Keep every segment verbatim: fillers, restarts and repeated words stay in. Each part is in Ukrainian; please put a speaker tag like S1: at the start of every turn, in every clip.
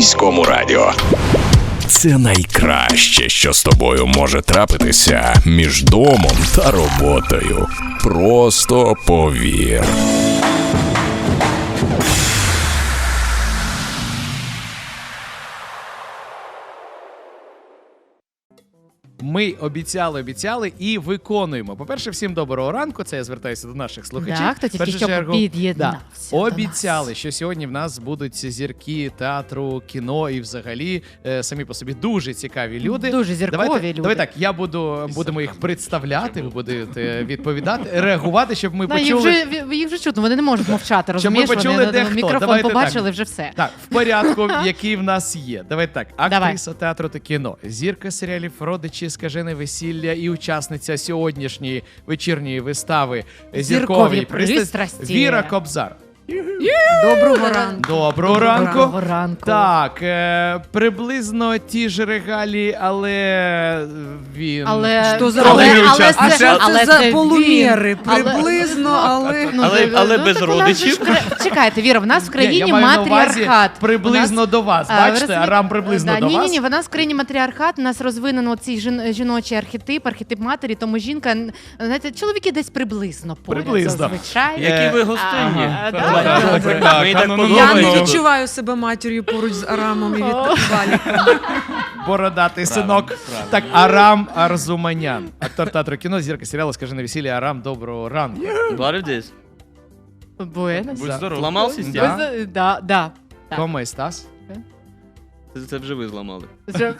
S1: Міському радіо. Це найкраще, що з тобою може трапитися між домом та роботою. Просто повір.
S2: Ми обіцяли, обіцяли і виконуємо. По-перше, всім доброго ранку. Це я звертаюся до наших слухачів.
S3: Да, хто тільки
S2: Першу
S3: що
S2: чергу,
S3: під'єднався
S2: да,
S3: до
S2: обіцяли,
S3: нас.
S2: що сьогодні в нас будуть зірки театру, кіно і взагалі е, самі по собі дуже цікаві люди.
S3: Дуже зіркові
S2: Давайте,
S3: люди.
S2: Давай так, я буду, будемо їх представляти, ви будете відповідати, реагувати, щоб ми
S3: Да, їх,
S2: почули...
S3: вже, їх вже чутно, вони не можуть мовчати,
S2: Щоб
S3: розумієш?
S2: ми почули,
S3: вони
S2: де
S3: на
S2: хто.
S3: мікрофон
S2: Давайте
S3: побачили,
S2: так.
S3: вже все.
S2: Так, в порядку, який в нас є. Давай так, актриса
S3: Давай.
S2: театру та кіно, зірка серіалів «Родичі», «Скажене весілля» і учасниця сьогоднішньої вечірньої вистави «Зіркові
S3: пристрасті».
S2: Віра Кобзар.
S4: Доброго ранку.
S2: Доброго ранку.
S3: Доброго ранку.
S2: Так, е, приблизно ті ж регалії, але він...
S3: Але,
S4: Що за
S3: але,
S4: але,
S3: але,
S4: а
S3: це,
S4: що
S3: але
S4: це за
S3: він.
S4: полуміри?
S3: Але-
S4: Приблизно, але...
S3: Ну,
S5: Але-
S3: ну,
S5: але
S3: ну,
S5: без
S3: так у нас же
S5: родичів.
S3: ж кра- Чекайте, Віра, в нас в
S2: Ні,
S3: країні
S2: я маю на увазі
S3: матріархат.
S2: приблизно
S3: У нас-
S2: до вас.
S3: А, ви
S2: Бачите,
S3: розумієте?
S2: Арам приблизно
S3: да,
S2: до
S3: ні,
S2: вас.
S3: Ні, ні, в нас в країні матріархат, у нас розвинено цей жін, жіночий архетип, архетип матері, тому жінка, знаєте, чоловіки десь приблизно поряд,
S2: Приблизно.
S3: зазвичай.
S5: Які ви гостинні.
S3: Ага, да,
S5: Ага.
S3: да, да,
S5: Так, мені так
S4: Я
S5: подобається.
S4: не відчуваю себе матір'ю поруч з Арамом і Валіком.
S2: Бородатий синок. Так, Арам Арзуманян. Актор театру кіно, зірка серіалу «Скажене весілля». Арам, доброго ранку.
S5: What is this?
S3: Буенос.
S2: Будь здоров.
S5: Зламав
S3: Ви
S5: систему?
S3: за- Да, да. Так.
S2: Комо Estás?
S5: Це, це вже ви зламали.
S3: Вже-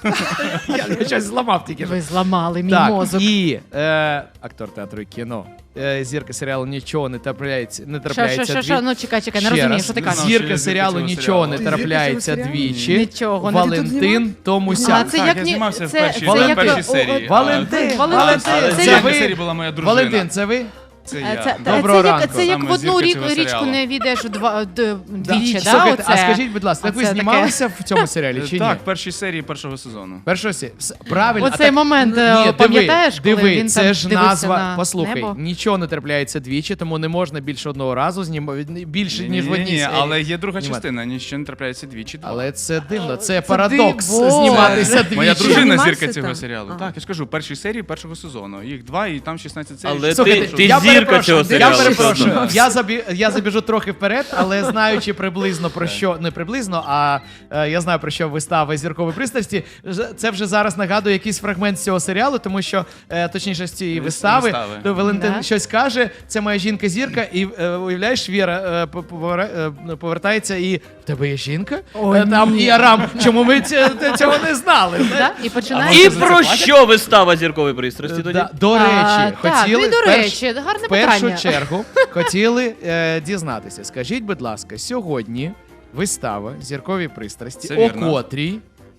S2: Я щось зламав тільки.
S3: Ви зламали мій
S2: Так,
S3: мозок.
S2: і е, актор театру і кіно, е, зірка серіалу «Нічого не трапляється, не
S3: Що,
S2: трапляється
S3: що, що, що?
S2: двічі».
S3: Ну, чекай, чекай, не
S2: Ще
S3: розумію,
S2: раз.
S3: що ти
S6: Не
S3: кажеш.
S6: знав,
S2: Зірка
S6: що я
S2: серіалу
S6: зірка цього
S2: «Нічого не
S4: серіалу. Ти
S2: трапляється
S4: зірка цього
S2: двічі».
S3: Нічого не-
S2: Валентин
S3: А,
S2: Томусян.
S3: це
S6: Так,
S3: як
S6: я
S3: ні-
S6: знімався в
S3: це-
S6: першій-
S3: це
S2: в
S3: як-
S6: першій
S3: о,
S6: серії.
S3: о,
S2: Валентин,
S3: Валентин,
S2: Валентин,
S6: В
S2: це
S6: першій
S2: ви?
S6: серії була моя дружина.
S2: Валентин, це ви?
S6: Це
S3: Е,
S6: я.
S3: Це,
S2: Доброго
S3: це, як,
S2: ранку.
S3: це як
S6: Саме
S3: в одну
S6: зірка
S3: рік,
S6: цього
S3: річку
S6: серіалу.
S3: не війдеш два, д- двічі, да?
S2: Слухайте, а
S3: оце?
S2: скажіть, будь ласка, так ви
S3: Оце таке.
S2: знімалися в цьому серіалі чи ні?
S6: Так, в першій серії першого сезону.
S2: Першого сі- вс- правильно. а
S3: Оцей
S2: так-
S3: момент,
S2: Ні,
S3: е,
S2: диви,
S3: пам'ятаєш, коли
S2: диви,
S3: він
S2: це
S3: там
S2: ж
S3: дивився
S2: назва.
S3: на
S2: Послухай,
S3: небо?
S2: нічого не трапляється двічі, тому не можна більше одного разу знімати більше ніж в одній
S6: Ні-ні-ні,
S2: серії.
S6: але є друга
S2: знімати.
S6: частина, ніщо не трапляється двічі. два.
S2: Але це дивно, це парадокс
S3: диво.
S2: зніматися двічі.
S6: Моя дружина
S4: Знімався
S6: зірка цього
S4: там?
S6: серіалу.
S4: Ага.
S6: Так, я ж кажу, першій серії першого сезону. Їх два, і там шістнадцять серій.
S5: Але
S2: Слухайте,
S5: ти, ти
S2: я
S5: зірка
S2: перепрошую,
S5: цього серіалу.
S2: Я перепрошую,
S5: все одно.
S2: я, забі, я забіжу трохи вперед, але знаючи приблизно про що, не приблизно, а е, я знаю про що вистава «Зіркові пристрасті», ж- це вже зараз нагадує якийсь фрагмент з цього серіалу, тому що, е, точніше, з цієї
S6: Вис-
S2: вистави,
S6: вистави.
S2: то Валентин
S3: Да.
S2: щось каже, це моя жінка-зірка, і е, уявляєш, Віра е, по- повера- е, повертається і в тебе є жінка?
S3: О,
S2: Е, Там
S3: ні.
S2: і Арам, чому ми ць- т- цього не знали?
S3: Да? І починає.
S5: І про що вистава «Зіркові пристрасті» тоді?
S2: Да, до
S3: А,
S2: речі,
S3: так,
S2: хотіли
S3: ну і до
S2: в перш-
S3: речі, гарне
S2: в першу
S3: питання.
S2: чергу хотіли е, дізнатися. Скажіть, будь ласка, сьогодні вистава «Зіркові пристрасті»
S6: Це
S2: о
S6: вірно.
S2: котрій?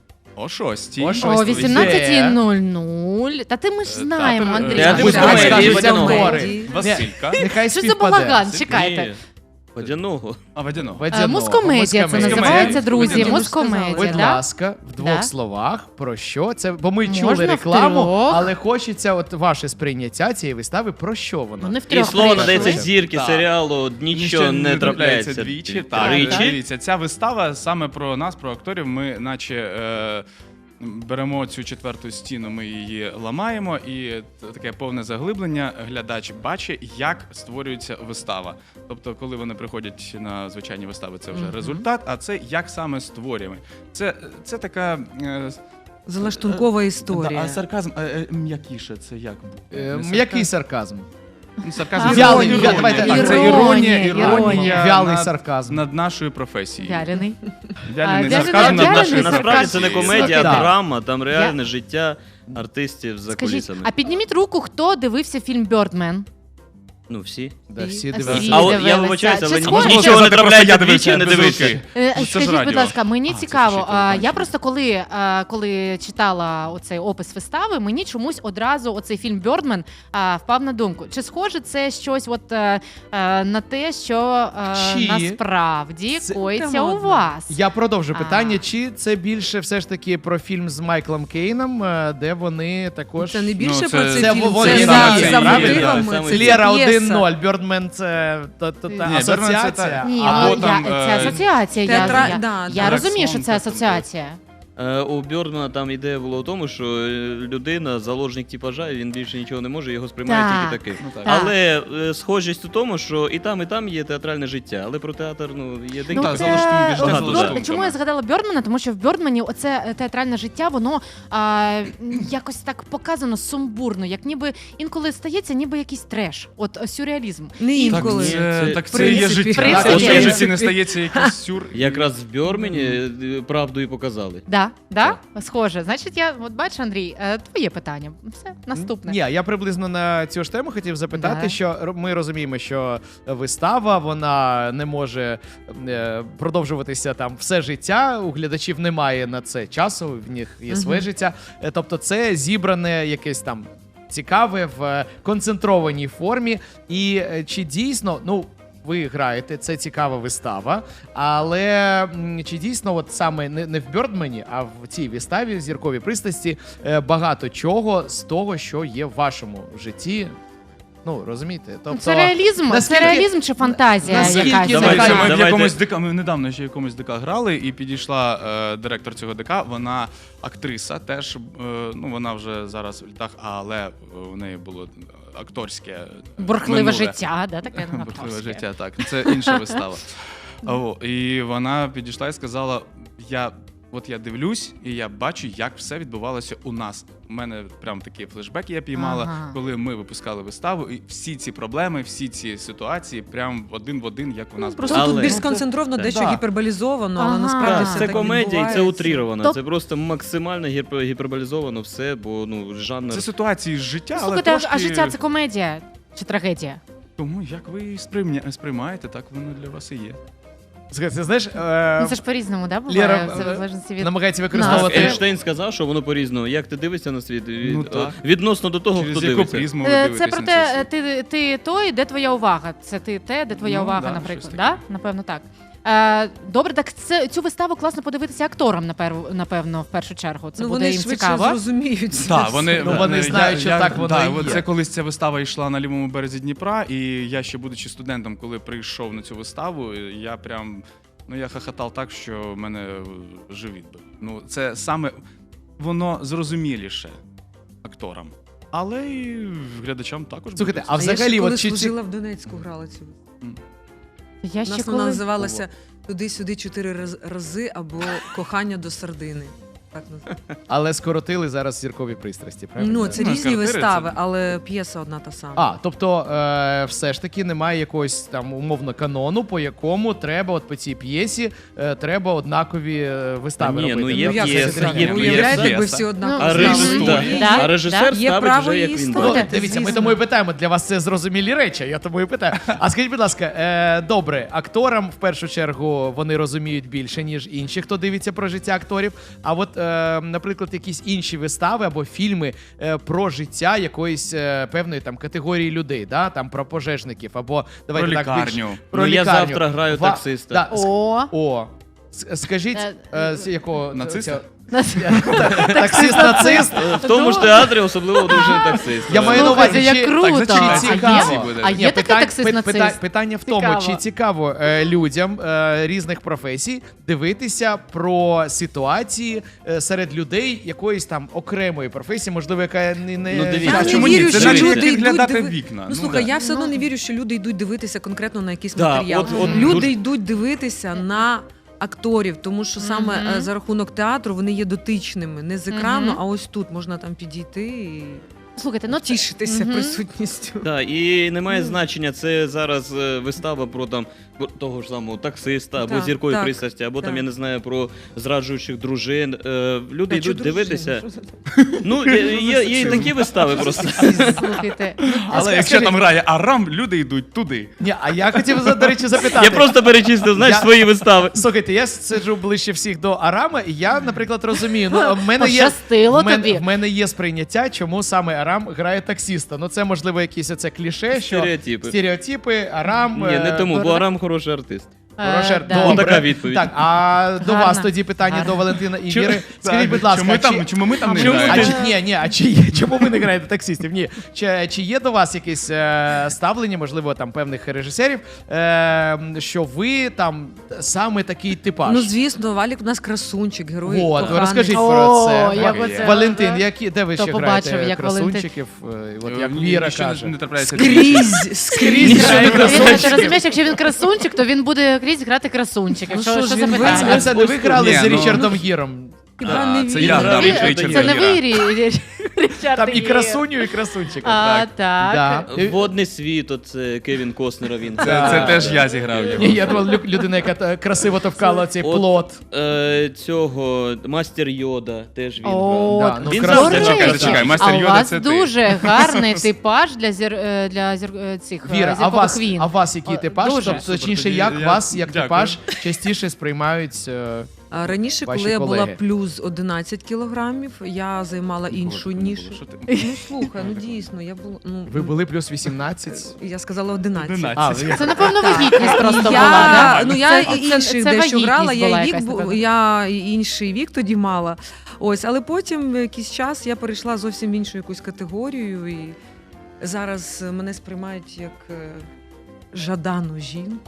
S6: О шостій.
S2: О шостій.
S3: О вісімнадцятій нуль нуль. Та ти ми ж знаємо,
S6: театр,
S3: Андрій.
S5: театр
S3: Ми
S5: з
S3: ж
S5: комедії,
S3: знаємо, що
S5: водяного.
S3: це
S2: актори.
S3: комедії.
S6: Василька.
S2: Нехай
S3: Що це
S2: співпаде.
S3: балаган?
S5: Ні,
S3: Чекайте.
S5: Водяного.
S6: А водяного.
S3: Е,
S2: Водяного.
S3: Мускомедія це
S2: Мускомедія.
S3: називається, друзі.
S6: Мускомедія.
S3: Мускомедія,
S2: Будь
S3: да?
S2: ласка, в двох
S3: Да.
S2: словах про що це? Бо ми
S3: Можна
S2: чули
S3: в
S2: рекламу,
S3: трьох.
S2: але хочеться от ваше сприйняття цієї вистави. Про що
S3: Ну,
S2: вона?
S3: не в
S5: І
S3: трьох
S5: слово
S3: прийшли.
S5: надається зірки
S6: Так.
S5: серіалу «Нічого не трапляється
S6: двічі.
S5: двічі».
S6: Так,
S5: Тричі.
S6: дивіться, ця вистава саме про нас, про акторів. Ми наче е, беремо цю четверту стіну, ми її ламаємо, і т- таке повне заглиблення. Глядач бачить, як створюється вистава. Тобто, коли вони приходять на звичайні вистави, це вже результат, а це як саме створюємо. Це, це така. Е,
S4: Залаштункова
S6: да,
S4: історія.
S6: а сарказм е, е, м'якіше, це як?
S2: Е,
S6: Не
S2: Який сарказм?
S6: Ну, сарказм.
S2: Вялий,
S6: іронія.
S2: вя- давайте так,
S6: це
S3: Іронія,
S6: іронія,
S3: іронія.
S6: іронія
S2: Вялий
S6: над,
S2: сарказм.
S6: над нашою професією.
S3: Вялений.
S6: Вялений
S3: А,
S6: сарказм
S3: вялений-
S6: над
S3: вялений
S6: нашою
S5: Насправді це не
S6: професією.
S5: комедія, а
S2: Так.
S5: драма, там реальне життя артистів за
S3: Скажіть,
S5: кулісами.
S3: а підніміть руку, хто дивився фільм «Бёрдмен»?
S5: Ну, всі.
S2: Да, всі
S3: А
S2: дивилися.
S3: всі
S5: А от я
S3: дивилися.
S5: вибачаюся, але
S3: Чи схоже?
S5: нічого не
S6: Сказати, просто
S5: трапляється
S6: я
S5: двічі,
S6: дивився
S5: не
S6: без
S5: дивився.
S6: руки.
S3: Е,
S6: Ну, це ж
S3: Скажіть, будь
S6: радіо.
S3: ласка, мені
S6: А, це
S3: цікаво.
S6: ще й
S3: а,
S6: телебачення.
S3: Я просто коли, е, коли читала оцей опис вистави, мені чомусь одразу оцей фільм «Бёрдмен» е, впав на думку. Чи схоже це щось от, е, е, на те, що е,
S2: Чи
S3: насправді
S2: це-
S3: коїться
S4: Та
S3: у
S4: ладно.
S3: вас?
S2: Я продовжу
S3: А.
S2: питання, чи це більше все ж таки про фільм з Майклом Кейном, е, де вони також...
S4: Це не більше
S6: Ну,
S4: про
S6: це-
S4: цей
S2: це
S4: фільм,
S2: вони
S4: це
S2: саме
S4: за,
S2: це,
S4: за
S2: правильно?
S4: мотивами.
S5: Саме
S4: Це
S2: Лєра
S4: п'єса.
S2: один-ноль. Бьордмен це та, та, та
S3: Ні,
S2: асоціація.
S6: Birdman це та-
S3: Ні,
S6: Або
S3: ну,
S6: там,
S3: я, це
S6: е,
S3: асоціація. Я,
S4: театра-
S3: я,
S4: да,
S3: я
S4: да.
S3: розумію, що
S6: Сон,
S3: це
S6: так, так.
S3: асоціація.
S5: Е, У Бьордмана там ідея була в тому, що е, людина, заложник типажа, і він більше нічого не може, його сприймають
S3: Так.
S5: тільки таким.
S6: Ну, так.
S3: Так.
S5: Але е, схожість у тому, що і там, і там є театральне життя, але про театр ну, є
S3: Ну,
S6: Так,
S3: це-
S6: за лаштунки,
S3: от,
S6: життя за
S3: Бьор-
S6: лаштунками.
S3: Чому я згадала Бьордмана? Тому що в Бьордмані оце е, театральне життя, воно а, якось так показано сумбурно, як ніби інколи стається, ніби якийсь треш. От е, сюрреалізм.
S4: Не
S3: І-
S6: Так
S4: інколи.
S6: це,
S5: Це-
S6: так
S4: в
S6: це є
S4: принципі.
S6: життя.
S3: В принципі.
S6: От в
S3: В
S6: житті
S4: принципі.
S6: не стається якийсь сюр.
S5: Якраз в Бьормені е, правду і показали.
S3: Да, да? Схоже. Значить, я от бачиш, Андрій, е, твоє питання. Все, наступне.
S2: Ні, я приблизно на цю ж тему хотів запитати,
S3: Да.
S2: що ро- ми розуміємо, що вистава вона не може е, продовжуватися там все життя. У глядачів немає на це часу, в них є своє
S4: Мгм.
S2: життя. Е, Тобто, це зібране якесь там цікаве в е, концентрованій формі. І е, чи дійсно, ну. Ви граєте, це цікава вистава, але м, чи дійсно, от саме не, не в Бьордмені, а в цій виставі зіркові пристрасті е, багато чого з того, що є в вашому житті. Ну, розумієте? Тобто,
S3: Це реалізм,
S2: наскільки-
S3: це реалізм чи фантазія
S2: наскільки
S3: якась?
S2: це
S6: Давайте,
S2: Давайте.
S6: ми в
S5: Давайте.
S6: якомусь ДК, ми недавно ще в якомусь ДК грали, і підійшла е, директор цього ДК, вона актриса, теж, е, ну вона вже зараз в літах, але в неї було акторське е,
S3: Бурхливе
S6: минуле.
S3: життя, да, таке
S6: Бурхливе
S3: акторське.
S6: життя, так. Це інша вистава. О, і вона підійшла і сказала: я. От я дивлюсь, і я бачу, як все відбувалося у нас. У мене прям такі флешбеки я піймала,
S3: Ага.
S6: коли ми випускали виставу, і всі ці проблеми, всі ці ситуації, прям один в один, як у нас
S4: Просто
S6: було.
S5: Але-
S4: тут більш сконцентровано, дещо
S2: Да.
S4: гіперболізовано, але
S3: Ага.
S4: насправді
S3: Так,
S4: все
S5: Це
S4: так
S5: комедія і це
S4: відбувається.
S5: утріровано.
S3: Тоб-
S5: Це просто максимально гіпер- гіперболізовано все, бо ну жанр.
S6: Це ситуації з життя, але
S3: Слухайте, а-
S6: трошки...
S3: а життя це комедія чи трагедія?
S6: Тому як ви її сприйня... сприймаєте, так воно для вас і є.
S2: Слухайте, знаєш,
S3: Ну
S2: е,
S3: це ж по-різному, да, буває?
S2: Лєра,
S3: Це в
S2: е,
S3: залежності від...
S2: намагається
S3: Нас.
S2: використовувати.
S5: Ейнштейн сказав, що воно по-різному. Як ти дивишся на світ? Від...
S6: Ну, так.
S5: Відносно до того,
S6: Через
S5: хто
S6: яку
S5: дивиться.
S6: призму ви
S3: Е,
S6: дивитесь
S3: Це про
S6: на цей
S3: те,
S6: світ.
S3: ти, ти той, де твоя увага. Це ти те, де твоя
S6: Ну,
S3: увага,
S6: да,
S3: наприклад.
S6: щось
S3: Да?
S6: таке.
S3: Напевно, так. Е, добре, так це, цю виставу класно подивитися акторам, напевно, напевно, в першу чергу. Це
S4: Ну,
S3: буде
S4: вони
S3: їм
S4: швидше
S3: цікаво.
S4: зрозуміють це
S6: Так,
S4: все.
S6: вони,
S2: Ну, вони
S6: я-
S2: знають, що
S6: я-
S2: так воно
S6: да,
S2: і
S6: от
S2: є.
S6: Це колись ця вистава йшла на лівому березі Дніпра, і я ще будучи студентом, коли прийшов на цю виставу, я прям ну я хахатав так, що в мене живіт був. Ну це саме воно зрозуміліше акторам, але і глядачам також.
S2: Слухайте,
S6: буде
S2: а
S4: А я
S2: взагалі,
S4: ще коли
S2: от чи ці-
S4: служила в Донецьку, грала цю.
S3: Я
S4: У
S3: ще
S4: нас вона
S3: коли...
S4: називалася «Туди-сюди чотири раз- рази» або «Кохання до сардини». Так називається.
S2: але скоротили зараз зіркові пристрасті, правильно?
S4: Ну, це
S6: Ну,
S4: різні
S6: квартири
S4: вистави,
S6: це-
S4: але п'єса одна та сама.
S2: А, тобто, е, все ж таки немає якогось там умовно канону, по якому треба, от по цій п'єсі, е, треба однакові е, вистави
S5: Ні, ну,
S2: робити.
S5: є
S4: Ну, як
S5: п'єса,
S4: це так?
S5: є
S4: Ви уявляєте,
S6: п'єса.
S4: якби всі однаково
S3: Ну,
S5: А
S3: Мгм.
S5: режисер,
S3: Да,
S5: а режисер
S3: да.
S4: Є
S5: ставить
S4: право
S5: вже як
S4: її
S5: він
S4: ставити.
S2: Ну,
S5: бачить.
S2: дивіться, ми
S4: звісно.
S2: тому і питаємо, для вас це зрозумілі речі, я тому і питаю. А скажіть, будь ласка, е, добре, акторам в першу чергу вони розуміють більше, ніж інші, хто дивиться про життя акторів. А от, е, наприклад, якісь інші вистави або фільми е, про життя якоїсь е, певної там категорії людей, да? Там про пожежників, або давайте
S6: Про
S2: так більш-
S6: лікарню.
S2: про
S5: Ну, я
S2: лікарню.
S5: завтра граю
S2: Ва-
S5: таксиста.
S2: Да, с-
S3: О,
S2: О, с- скажіть,
S3: Е,
S2: е, з якого
S6: Нациста?
S2: таксист нацист.
S5: В тому ж театрі особливо одружений таксист.
S2: Я маю на
S3: Слухайте,
S2: увазі,
S3: як
S2: чи-
S3: круто.
S6: Так, зачекайте,
S2: чи
S3: А є?
S2: цікаво?
S6: буде.
S3: А
S2: Ні,
S3: є такий
S2: питань-
S3: таксист
S2: пи-
S3: нацист?
S2: пита- Питання в тому,
S3: Цікаво.
S2: чи цікаво е, людям е, різних професій дивитися про ситуації е, серед людей якоїсь там окремої професії, можливо, яка не, не
S5: Ну, дивіться,
S4: Я
S6: А
S4: не
S6: чому
S4: вірю,
S6: ні? Це
S4: що
S6: наче
S4: люди
S6: як
S4: йдуть
S6: глядати
S4: диви-
S6: вікна.
S4: Ну, слухай,
S6: да.
S4: я все одно
S3: Ну.
S4: не вірю, що люди йдуть дивитися конкретно на якийсь
S5: Да,
S4: матеріал.
S5: от- от
S4: люди
S5: дуже-
S4: йдуть дивитися на акторів, тому що саме
S3: Мгм.
S4: е, за рахунок театру вони є дотичними. Не з екрану,
S3: Мгм.
S4: а ось тут можна там підійти і
S3: Слухайте, ну це...
S4: тішитися
S3: Мгм.
S4: присутністю.
S5: Так, і немає значення, це зараз е, вистава про там про того ж самого таксиста або
S4: Так,
S5: зіркові
S4: так,
S5: пристрасті, або там,
S4: так.
S5: я не знаю, про зраджуючих дружин. Е, Люди
S4: Та чого
S5: йдуть дивитися.
S4: дружина? Що це?
S5: Ну, є, є, є і такі вистави просто.
S3: Слухайте. ну,
S6: Але
S2: скажіть-
S6: якщо там грає Арам, люди йдуть туди.
S2: Ні, а я хотів, за- до речі, запитати.
S5: Я просто перечислив, знаєш,
S2: Я-
S5: свої вистави.
S2: Слухайте, я сиджу ближче всіх до Арама, і я, наприклад, розумію. Ну, в мене є,
S3: Пощастило
S2: в мене,
S3: тобі.
S2: в мене є сприйняття, чому саме Арам грає таксіста. Ну, це, можливо, якісь оце кліше, що
S5: Стереотипи.
S2: стереотипи, Арам.
S5: Ні, не
S2: е,
S5: тому,
S2: ну,
S5: бо Арам хороший артист.
S3: Е,
S2: Рошер,
S3: да.
S2: добре.
S5: Отака відповідь.
S2: Так, а до
S3: Гарна.
S2: вас тоді питання
S3: Гарна.
S2: до Валентина і
S6: Чому-
S2: Віри. Скажіть,
S6: Так,
S2: будь ласка,
S6: чому,
S2: чи-
S6: там, чому ми там не
S2: Чому, а
S6: граємо?
S2: чи, ні, ні, а чи, є- чому ви не граєте таксистів? Ні. Чи, чи є до вас якесь е, ставлення, можливо, там певних режисерів, е, що ви там саме такий типаж?
S4: Ну, звісно, Валік у нас красунчик, герой.
S2: От,
S4: коханий.
S2: розкажіть
S3: О,
S2: про це.
S3: як
S2: Ва-
S3: оце,
S2: Валентин,
S3: да.
S2: які, де ви
S3: Хто
S2: ще
S3: побачив,
S2: граєте
S3: як
S2: красунчиків? Е, От як
S6: Ні,
S2: Віра
S6: нічого
S2: каже.
S6: не трапляється.
S4: Скрізь, скрізь.
S2: Ніщо
S4: грає
S2: не
S3: Він,
S2: красунчик.
S3: ти розумієш, якщо він красунчик, то він буде крізь грати красунчика.
S4: Ну
S3: що,
S4: що
S3: що
S4: ж,
S3: за
S4: він
S3: питання?
S2: А це не ви грали
S6: Ні,
S2: з
S6: ну-
S2: Річардом Гіром?
S4: Хіба
S6: А,
S4: не
S6: це
S4: він?
S6: я грав
S5: Річарда
S6: Річарда
S3: Це не
S6: Гіра.
S3: ви, Рі- Річард
S2: Там і
S3: Гір.
S2: красуню, і красунчика.
S3: А,
S2: так.
S3: так.
S2: Да.
S5: Водний світ, оце Кевін Костнера він.
S6: Це, це теж я зіграв його.
S2: Ні, я думав, лю- людина, яка та- красиво товкала цей
S5: От,
S2: плот.
S5: Е, цього Мастер Йода теж він
S3: О,
S5: грав.
S2: Да, ну,
S5: Він
S2: красиво.
S5: завжди
S3: До речі,
S6: Зачекай, зачекай, Мастер
S3: а у
S6: Йода
S3: вас
S6: це ти.
S3: дуже гарний типаж для зір е, для зір е, цих е,
S2: Віра, а
S3: зіркових
S2: вас,
S3: війн.
S2: а вас який
S3: О,
S2: типаж?
S3: дуже.
S2: Тобто,
S6: Супер,
S2: точніше,
S6: тоді
S2: як
S6: я-
S2: вас, як
S6: дякую.
S2: типаж, частіше сприймають. е,
S4: А раніше,
S2: Ваші
S4: коли я була
S2: колеги.
S4: плюс одинадцять кілограмів, я займала іншу
S6: Ніколи
S4: нішу.
S6: не було, що ти?
S4: Ну слухай, ну дійсно, я була. Ну,
S2: Ви були плюс вісімнадцять?
S4: Я сказала одинадцять.
S6: одинадцять.
S2: А, ви-
S3: Це, напевно,
S4: Так.
S3: вагітність просто
S4: я,
S3: була, да?
S4: Ну я
S3: Це-
S4: і
S3: це-
S4: інший
S3: це
S4: дещо
S3: вагітність
S4: грала, я,
S3: була
S4: і вік,
S3: якась
S4: бу-
S3: така.
S4: я і інший вік тоді мала. Ось, але потім якийсь час я перейшла зовсім в іншу якусь категорію, і зараз мене сприймають як е, жадану жінку.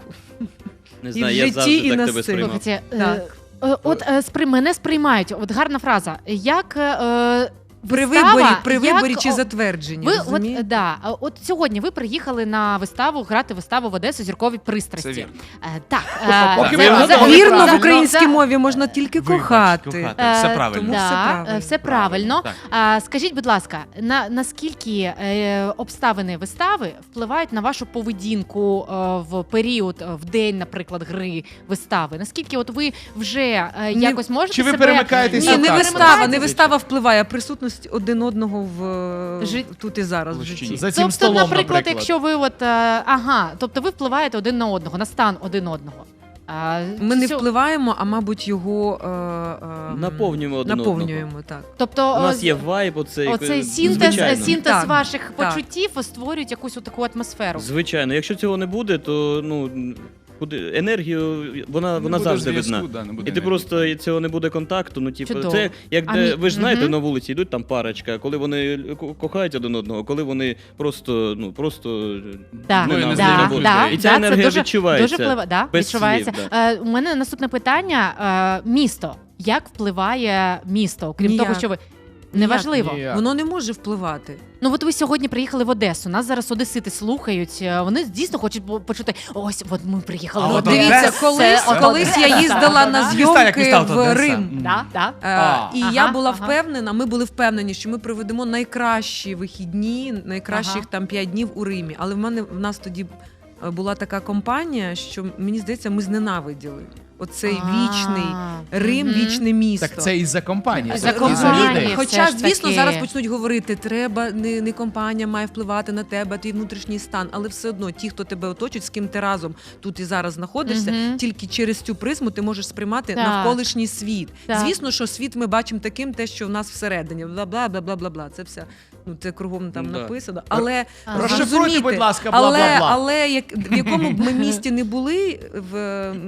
S5: Не
S4: І
S5: знаю,
S4: в
S5: я
S4: житті,
S5: завжди
S4: і
S5: так
S4: на
S5: тебе
S4: сцені.
S5: сприймав.
S3: Слухайте, е,
S4: Так.
S3: е, от е, спри мене сприймають. От гарна фраза. Як е,
S4: При
S3: вистава,
S4: виборі, при
S3: як,
S4: виборі чи
S3: о,
S4: затвердженні.
S3: ви
S4: розумієте?
S3: от, да, а от сьогодні ви приїхали на виставу грати виставу в Одесу «Зіркові пристрасті».
S6: Це вірно.
S3: Е, так, е,
S2: Поки
S3: це-
S2: ви
S3: це
S2: вгадали
S3: вірно,
S4: Вірно, в
S3: це-
S4: українській
S3: це-
S4: мові можна тільки
S6: Вибач,
S4: кохати.
S6: кохати.
S3: Е,
S6: Все правильно.
S4: тому
S3: да,
S4: все
S3: е,
S4: правильно.
S3: все правильно.
S6: Так.
S3: А, скажіть, будь ласка, на наскільки е, обставини вистави впливають на вашу поведінку е, в період, е, в день, наприклад, гри вистави? Наскільки от ви вже е,
S4: Ні,
S3: якось можете
S2: чи ви
S3: себе...
S2: перемикаєтесь
S4: Ні,
S2: на
S4: не
S2: так.
S4: вистава, не вистава впливає, а присутність один одного в
S3: Жит-
S4: тут і зараз в
S6: Площині.
S4: житті.
S2: За цим
S3: Тобто,
S2: столом,
S3: наприклад,
S2: наприклад.
S3: якщо ви от е, ага, тобто ви впливаєте один на одного, на стан один одного. А,
S4: Ми не
S3: цю-
S4: впливаємо, а мабуть, його е, е,
S5: Наповнюємо один
S4: наповнюємо. Так.
S3: Тобто
S5: У нас
S3: о,
S5: є вайб, оцей.
S3: оцей
S5: е,
S3: синтез,
S5: звичайно.
S3: синтез
S4: Так,
S3: ваших
S4: так.
S3: почуттів створюють якусь таку атмосферу.
S5: Звичайно, якщо цього не буде, то ну куди енергію вона,
S6: Не
S5: вона
S6: буде
S5: завжди
S6: зв'язку,
S5: видна.
S6: да, не буде
S5: І ти
S6: енергії.
S5: просто цього не буде контакту. Ну, типу,
S3: Чудово.
S5: це як
S3: А
S5: де,
S3: мі-
S5: ви ж знаєте,
S3: Мгм.
S5: на вулиці йдуть там парочка, коли вони ко- кохають один одного, коли вони просто, ну просто
S3: Да,
S6: Ну, і
S3: да,
S6: не
S3: да,
S6: знаю,
S3: да,
S6: да,
S5: і ця
S3: це
S5: енергія
S3: дуже,
S5: відчувається.
S3: Дуже впливає, да,
S5: без
S3: відчувається.
S5: слів,
S3: Е, у мене наступне питання: е, місто. Як впливає місто? Крім
S4: Ніяк.
S3: того, що ви неважливо.
S2: Ніяк.
S4: Воно не може впливати.
S3: Ну от ви сьогодні приїхали в Одесу. Нас зараз одесити слухають. е, Вони дійсно хочуть по- почути. Ось, от ми приїхали
S6: А
S3: в
S6: от
S3: Одесу.
S4: Дивіться,
S6: Одеса.
S4: колись,
S3: Це
S4: колись я
S3: Одеса.
S4: їздила на
S6: Міста, як
S4: зйомки
S6: міста, от
S4: в
S6: Одеса.
S4: Рим.
S6: М.
S3: Да, да.
S4: Е,
S6: А.
S4: І
S3: Ага,
S4: я була
S3: ага.
S4: впевнена, ми були впевнені, що ми проведемо найкращі вихідні, найкращих
S3: Ага.
S4: там п'ять днів у Римі. Але в мене в нас тоді е, була така компанія, що мені здається, ми зненавиділи оцей вічний
S3: А,
S4: Рим,
S3: мгм.
S4: вічне місто.
S2: Так це із-за компанії.
S3: Із-за
S2: це
S3: компанії.
S2: із-за
S4: Розумієте?
S2: людей.
S3: Все
S4: Хоча,
S3: ж
S4: звісно,
S3: таки.
S4: зараз почнуть говорити, треба не, не компанія має впливати на тебе, твій внутрішній стан, але все одно ті, хто тебе оточують, з ким ти разом тут і зараз знаходишся,
S3: Мгм.
S4: тільки через цю призму ти можеш сприймати
S3: Так.
S4: навколишній світ.
S3: Так.
S4: Звісно, що світ ми бачимо таким, те, що в нас всередині, бла бла бла бла бла бла. Це все ну це кругом там
S5: Да.
S4: написано. Але
S3: Ага.
S2: Розшифруйте,
S4: зрозумійте,
S2: будь ласка,
S4: але,
S2: бла-бла-бла.
S4: але як в якому б ми місті не були, в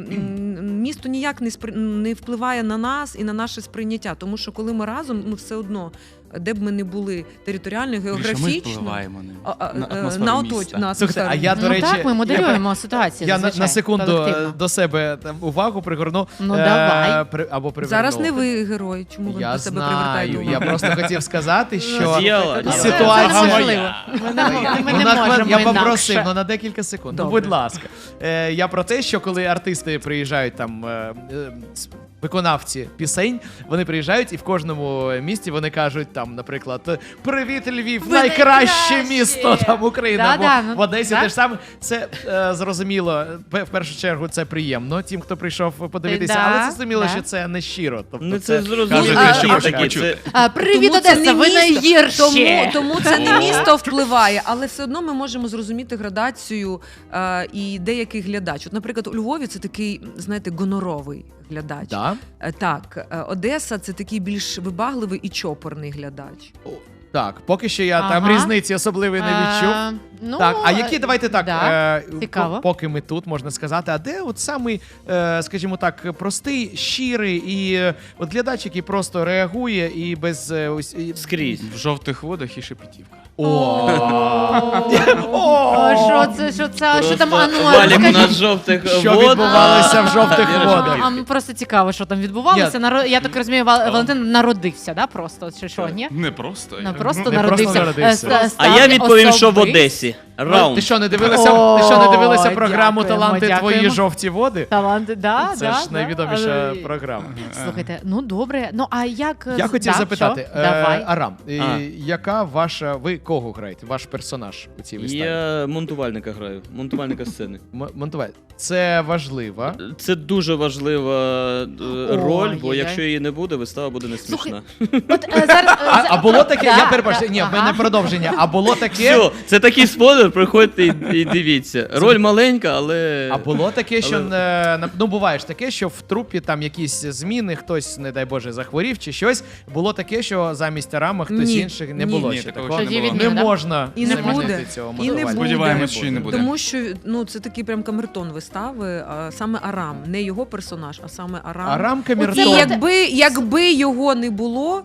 S4: м, місто ніяк не спри, не впливає на нас і на наше сприйняття. Тому що коли ми разом, ну все одно, де б ми не були територіально,
S6: Більше ми
S4: географічно,
S6: впливаємо на,
S4: а, а,
S6: на
S4: е,
S6: атмосферу
S4: на
S6: міста.
S4: оточ, на
S2: Слухайте, а
S4: атмосферу.
S2: я, до
S3: Ну
S2: речі,
S3: так, ми
S2: я-
S3: моделюємо ситуацію.
S2: Я на,
S3: зазвичай,
S2: на секунду
S3: колективно.
S2: е, до себе там увагу пригорну.
S3: Ну,
S2: е,
S3: давай.
S2: при- або приверну.
S4: Зараз не ви герой. Чому ви
S2: Я
S4: до себе
S2: знаю,
S4: привертаєте увагу?
S2: я просто хотів сказати, що
S5: Діяла,
S3: Ну,
S5: діяла.
S3: це-
S2: ситуація-
S3: це неможливо. Ми не, ми
S2: Ну,
S3: не
S2: на хвилин-
S3: можемо
S2: я
S3: інакше.
S2: попросив, ну на декілька секунд. Ну,
S4: Добре.
S2: будь ласка. Е, я про те, що коли артисти приїжджають там. Е, е, с- Виконавці пісень, вони приїжджають і в кожному місті вони кажуть там, наприклад, привіт, Львів,
S3: Ви
S2: найкраще
S3: найкращі!»
S2: місто там України.
S3: Да,
S2: або
S3: да, ну,
S2: в Одесі
S3: так.
S2: те ж саме. Це е, зрозуміло. Пе- В першу чергу це приємно тим, хто прийшов подивитися,
S3: Да,
S2: але це зрозуміло,
S3: да.
S2: що це не щиро. Тобто
S5: Ну це зрозуміло,
S2: кажуть,
S4: а-
S5: що
S4: а-
S5: такі.
S6: почути.
S5: Це
S3: А, привіт,
S4: Тому це
S3: Одеса,
S4: не
S3: ви
S4: місто.
S3: найгірші.
S4: Тому, тому це не місто впливає, але все одно ми можемо зрозуміти градацію е, і деякий глядач. От, наприклад, у Львові це такий, знаєте, гоноровий глядач.
S2: Да?
S4: Е, Так, е, Одеса це такий більш вибагливий і чопорний глядач.
S2: Так, поки що я
S3: Ага.
S2: там різниці особливої не відчув.
S3: Е, ну,
S2: Так, а які, давайте так,
S3: да,
S2: е,
S3: цікаво.
S2: по- поки ми тут, можна сказати, а де от самий, е, скажімо так, простий, щирий і е, от глядач, який просто реагує і без... е, ось, і-
S5: Скрізь.
S6: В жовтих водах і шепетівка.
S2: О!
S3: О, що це, що це, що там, а ну,
S5: Валік у
S3: скажіть.
S5: нас жовтих
S2: Що
S5: вод.
S2: відбувалося в жовтих
S5: А,
S2: водах?
S3: А, просто цікаво, що там відбувалося. Наро- Я так розумію, Вал- Валентин народився, да, просто, чи що, ні?
S6: Не просто.
S3: Ну,
S6: я-
S3: просто
S2: Не
S3: народився.
S2: просто народився.
S3: Е, ста-
S5: А я
S3: став
S5: відповім, що в
S3: особистий.
S5: Одесі.
S2: Ну,
S5: Раунд.
S2: Ти що, не дивилася, ти що, не дивилася
S3: Ой,
S2: програму
S3: дякуємо,
S2: «Таланти твої
S3: дякуємо.
S2: жовті води»?
S3: Таланти, да,
S2: Це
S3: да,
S2: ж
S3: да.
S2: найвідоміша
S3: Але-
S2: програма.
S3: Слухайте, ну добре. Ну а як
S2: Я
S3: з-
S2: хотів
S3: да,
S2: запитати,
S3: що?
S2: е,
S3: Давай.
S2: Арам, е,
S5: А.
S2: яка ваша, ви кого граєте? Ваш персонаж у цій виставі?
S5: Я монтувальника граю, монтувальника сцени.
S2: М- Монтуваль. Це важливо.
S5: Це дуже важлива е, роль, бо
S3: Ой-ой-ой.
S5: якщо її не буде, вистава буде не
S3: Слухай,
S5: смішна.
S3: От е, зараз е,
S2: А,
S3: за-
S2: а було таке,
S3: Да,
S2: я перепрошую,
S3: да,
S2: ні, в
S3: ага.
S2: мене продовження. А було таке,
S5: Все, це такий спойлер, приходьте і, і дивіться. Роль маленька, але.
S2: а було таке, що
S5: Але-
S2: е, на- ну буває ж таке, що в трупі там якісь зміни, хтось, не дай Боже, захворів чи щось. Було таке, що замість Арама хтось
S4: Ні,
S2: інших не
S4: ні.
S2: було
S6: Ні,
S2: ще
S6: такого
S2: такого.
S6: ще не
S3: Тоді
S6: було.
S2: Не
S3: да?
S2: можна
S4: І не
S2: замінити
S4: буде.
S2: цього
S4: І не
S2: монтувальника.
S4: буде.
S6: Сподіваємось, що і не буде.
S4: Тому що ну це такий прям камертон вистави, а саме Арам, не його персонаж, а саме Арам.
S2: Арам
S4: І
S2: Камертон.
S3: Оце
S4: якби, якби його не було,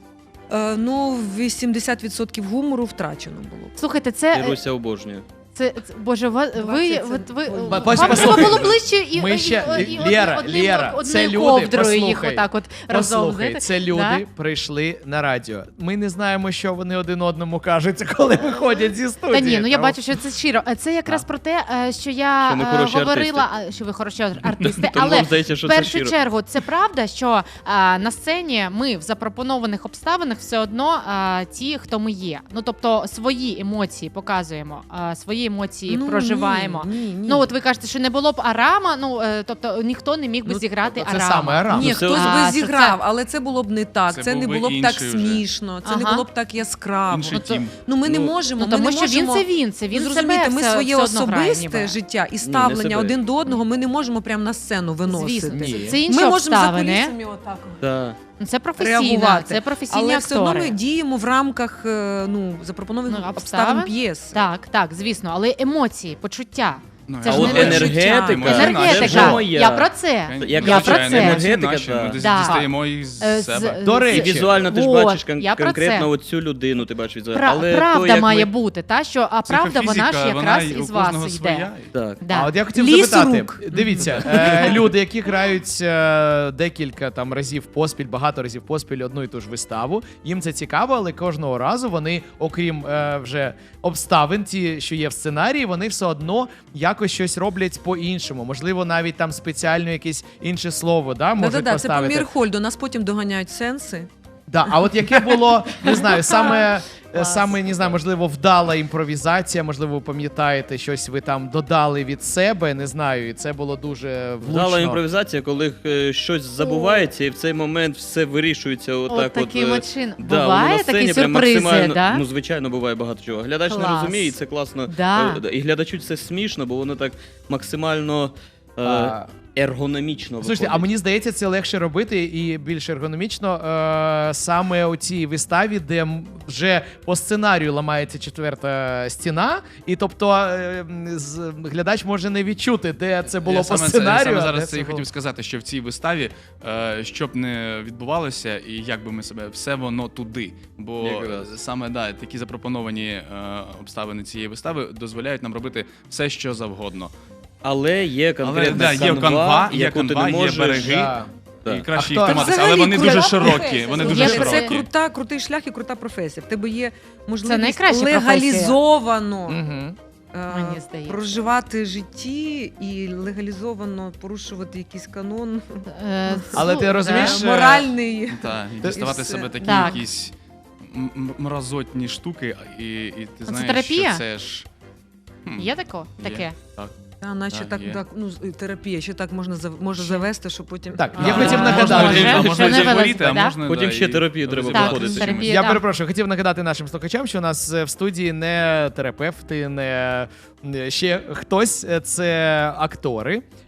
S4: е, ну вісімдесят відсотків гумору втрачено було.
S3: Слухайте, це, е,
S5: Іруся обожнює.
S3: це, це боже, ви, ви,
S4: двадцять
S3: от ви
S4: це-
S3: вам
S2: Пос-
S3: треба
S2: послухай.
S3: було ближче і,
S2: Ми
S3: і-
S2: ще-
S3: і, і,
S2: Лєра,
S3: одним,
S2: Лєра,
S3: одною
S2: це люди,
S3: ковдрою їх
S2: послухай.
S3: отак от разом.
S2: Послухай,
S3: знаєте?
S2: це люди
S3: Да?
S2: прийшли на радіо. Ми не знаємо, що вони один одному кажуть, коли виходять зі студії.
S3: Та ні, ну я
S2: Тому-
S3: бачу, що це щиро. Е, Це якраз
S2: Да.
S3: про те, е, що я
S5: Що ми
S3: е,
S5: хороші
S3: говорила, а, що ви хороші артисти,
S5: Тому
S3: але
S5: вам здається, що
S3: в
S5: це
S3: першу
S5: щиро.
S3: чергу це правда, що е, на сцені ми в запропонованих обставинах все одно е, ті, хто ми є. Ну тобто свої емоції показуємо, е, свої емоції проживаємо.
S4: Ні, ні, ні.
S3: Ну от ви кажете, що не було б Арама, ну е, тобто ніхто не міг би
S2: Ну,
S3: зіграти
S2: це
S3: Арама.
S2: саме Арам.
S4: Ні,
S5: Ну, це
S4: хтось
S3: А,
S4: би
S3: що
S4: зіграв,
S3: це-
S4: але це було б не так.
S6: Це
S4: Це, не
S6: був би
S4: було б так
S6: інший вже.
S4: смішно, це
S3: Ага.
S4: не було б так яскраво.
S6: Інший
S3: Ну, то-
S6: тім.
S4: Ну ми не
S5: Ну,
S4: можемо.
S3: Ну,
S4: ми
S3: тому
S4: не
S3: що він
S4: можемо...
S3: це він, це він
S4: Ви
S3: себе
S4: зрозумієте, ми
S3: все-
S4: своє
S3: все одно грає,
S4: особисте
S3: ніби.
S4: життя і
S5: не
S4: ставлення
S5: себе.
S4: один до одного ми не можемо прямо на сцену виносити.
S3: Звісно,
S2: Ні.
S3: це інші
S4: Ми можемо за
S3: обставини.
S4: кулісами отак
S5: Да.
S3: Ну, Це професійна,
S4: реагувати.
S3: це професійні
S4: Але все одно
S3: актори.
S4: ми діємо в рамках е, ну, запропонованих
S3: Ну,
S4: обставин
S3: обставин.
S4: п'єси.
S3: Так, так, звісно, але емоції, почуття.
S6: Ну,
S3: Це
S5: А
S3: ж
S5: от
S3: не
S5: енергетика,
S6: Енергетика.
S5: це вже
S3: Енергетика.
S5: моя.
S3: Я про це.
S5: Як
S3: Я
S5: звичайно,
S3: про це.
S5: енергетика,
S6: Наші,
S5: да.
S6: ми десь
S3: Да.
S6: дістаємо із
S3: Е, з-
S6: себе.
S2: До
S5: І
S2: речі,
S5: візуально ти ж
S3: От,
S5: бачиш кон-
S3: я про
S5: конкретно
S3: це.
S5: оцю людину, ти бачиш візуально.
S3: Пра-
S5: Але
S3: правда
S5: то, як
S3: має
S5: ми...
S3: бути, та що а правда вона ж
S6: Психофізика,
S3: якраз
S6: вона й
S3: із
S6: у
S3: вас
S6: кожного
S3: йде.
S6: своя.
S5: Так.
S3: Да.
S2: А от я хотів
S4: Ліс
S2: запитати,
S4: рук.
S2: дивіться, е, люди, які грають е, декілька там разів поспіль, багато разів поспіль одну і ту ж виставу, їм це цікаво, але кожного разу вони, окрім е, вже обставин, ті, що є в сценарії, вони все одно якось щось роблять по-іншому. Можливо, навіть там спеціально якесь інше слово, да, можуть
S4: Да-да-да, це по
S2: поставити.
S4: Мірхольду. Нас потім доганяють сенси.
S2: Да, а от яке було, не знаю, саме, е,
S3: Клас.
S2: саме не знаю, можливо, вдала імпровізація, можливо, ви пам'ятаєте, щось ви там додали від себе, не знаю, і це було дуже влучно.
S5: Вдала імпровізація, коли е, щось забувається, і в цей момент все вирішується отак.
S3: От
S5: от,
S3: таким
S5: е,
S3: от чином.
S5: Да,
S3: Буває
S5: воно на сцені
S3: такі
S5: прям
S3: сюрпризи,
S5: максимально-
S3: да?
S5: Ну, звичайно, буває багато чого. Глядач не
S3: Клас.
S5: розуміє, і це класно.
S3: Да.
S5: Е, І глядачу це смішно, бо воно так максимально е,
S2: А,
S5: ергономічно
S2: Слушайте, а
S5: виходить.
S2: мені здається, це легше робити і більш ергономічно е, саме у цій виставі, де м- вже по сценарію ламається четверта стіна, і тобто е, м, з- глядач може не відчути, де це було
S6: я
S2: по
S6: саме це, я
S2: сценарію.
S6: саме
S2: а де
S6: зараз це і
S2: було-
S6: хотів сказати, що в цій виставі, е, що б не відбувалося, і як би ми себе, все воно туди. Бо
S5: Якраз.
S6: саме да, такі запропоновані е, обставини цієї вистави дозволяють нам робити все, що завгодно.
S5: Але є
S6: Але
S5: конкретна
S6: да, є
S5: канва,
S6: канва, є
S5: яку ти
S6: канва,
S5: не
S6: є
S5: можеш...
S6: береги.
S2: Да.
S5: Так.
S6: І краще
S2: А
S6: їх
S2: хто-
S6: триматися,
S4: Взагалі,
S6: але вони дуже
S4: крута
S6: широкі.
S4: професія.
S6: Вони
S4: Є,
S6: дуже
S4: це
S6: широкі.
S4: крута, крутий шлях і крута професія. В тебе є можливість
S3: найкраща професія.
S4: легалізовано
S2: Мгм.
S4: е,
S3: Мені здається.
S4: проживати житті і легалізовано порушувати якийсь канон
S3: Е,
S2: Але ти
S3: слу-
S2: розумієш,
S3: да.
S2: е,
S4: моральний.
S6: Так, і
S2: Ти-
S6: діставати
S4: і
S6: себе
S4: все.
S6: такі
S3: Так.
S6: якісь м- м- мразотні штуки, і, і ти
S3: Це
S6: знаєш,
S3: терапія?
S6: що це ж. хм,
S3: Є тако?
S6: є.
S3: Таке?
S6: Так.
S4: Та, наче
S6: Так,
S4: так,
S6: є.
S4: так, ну, з- терапія, ще так можна зав- може завести, що потім.
S2: Так,
S4: А,
S2: я хотів
S3: А,
S2: нагадати.
S3: може,
S6: а
S3: вже
S6: можна і
S3: не
S6: захворіти, а
S3: вилазить, да?
S6: можна
S5: Потім
S6: да,
S5: ще
S6: і
S5: терапію треба
S6: розібратися
S5: проходити.
S6: з
S3: терапія.
S6: чимось.
S2: Я
S3: да.
S2: перепрошую, хотів нагадати нашим слухачам, що у нас е, в студії не терапевти, не е, ще хтось, е, це актори.